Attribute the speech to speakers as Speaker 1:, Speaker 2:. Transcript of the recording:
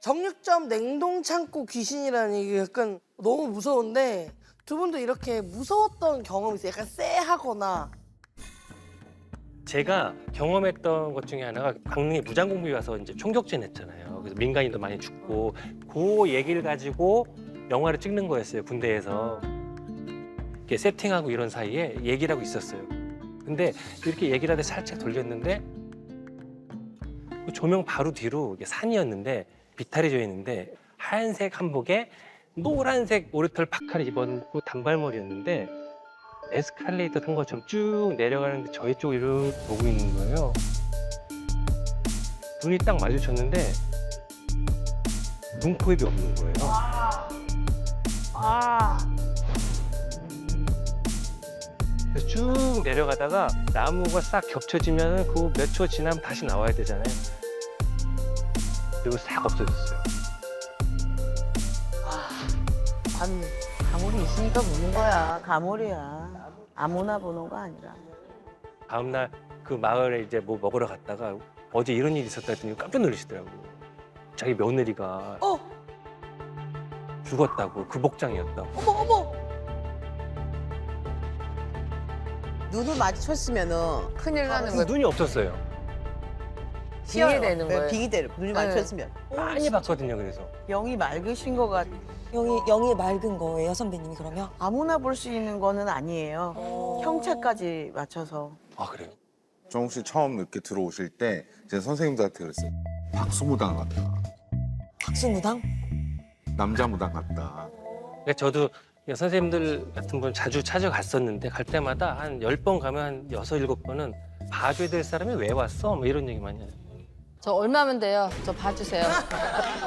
Speaker 1: 정육점 냉동창고 귀신이라는 얘기 약간 너무 무서운데 두 분도 이렇게 무서웠던 경험이 있어요? 약간 쎄하거나.
Speaker 2: 제가 경험했던 것 중에 하나가 강릉에 무장공비 와서 이제 총격전 했잖아요. 그래서 민간인도 많이 죽고 그 얘기를 가지고 영화를 찍는 거였어요. 군대에서. 이렇게 세팅하고 이런 사이에 얘기를 하고 있었어요. 근데 이렇게 얘기를 하다 살짝 돌렸는데 그 조명 바로 뒤로 이게 산이었는데 비탈이 져 있는데 하얀색 한복에 노란색 오리털 파카를 입었고 단발머리였는데 에스컬레이터 탄 것처럼 쭉 내려가는데 저희 쪽을 이렇게 보고 있는 거예요. 눈이 딱 마주쳤는데 눈코입이 없는 거예요. 그래서 쭉 내려가다가 나무가 싹 겹쳐지면 그 몇 초 지나면 다시 나와야 되잖아요. 그리고 싹 없어졌어요.
Speaker 3: 가물이 있으니까 보는 거야. 가물이야. 아무나 보는 거 아니라.
Speaker 2: 다음날 그 마을에 이제 뭐 먹으러 갔다가 어제 이런 일이 있었다 했더니 깜짝 놀라시더라고요. 자기 며느리가 죽었다고, 그 복장이었다고.
Speaker 1: 어머 어머.
Speaker 4: 눈을 마주쳤으면은
Speaker 5: 큰일 나는 거예요.
Speaker 2: 눈이 없었어요.
Speaker 5: 빙의 되는 거예요.
Speaker 4: 빙이 되는 눈이 마주쳤으면
Speaker 2: 많이 봤거든요, 그래서.
Speaker 3: 영이 맑으신 것 같아.
Speaker 6: 영이 맑은 거예요, 선배님이 그러면?
Speaker 3: 아무나 볼 수 있는 거는 아니에요. 형체까지 맞춰서.
Speaker 2: 아, 그래요?
Speaker 7: 정욱 씨 처음 이렇게 들어오실 때 제가 선생님들한테 그랬어요. 박수무당 같다.
Speaker 6: 박수무당?
Speaker 7: 남자 무당 같다.
Speaker 2: 그러니까 저도 선생님들 같은 분 자주 찾아갔었는데 갈 때마다 한 10번 가면 한 6, 7번은 봐줘야 될 사람이 왜 왔어? 뭐 이런 얘기 많이 해요.
Speaker 5: 저 얼마면 돼요? 저 봐주세요.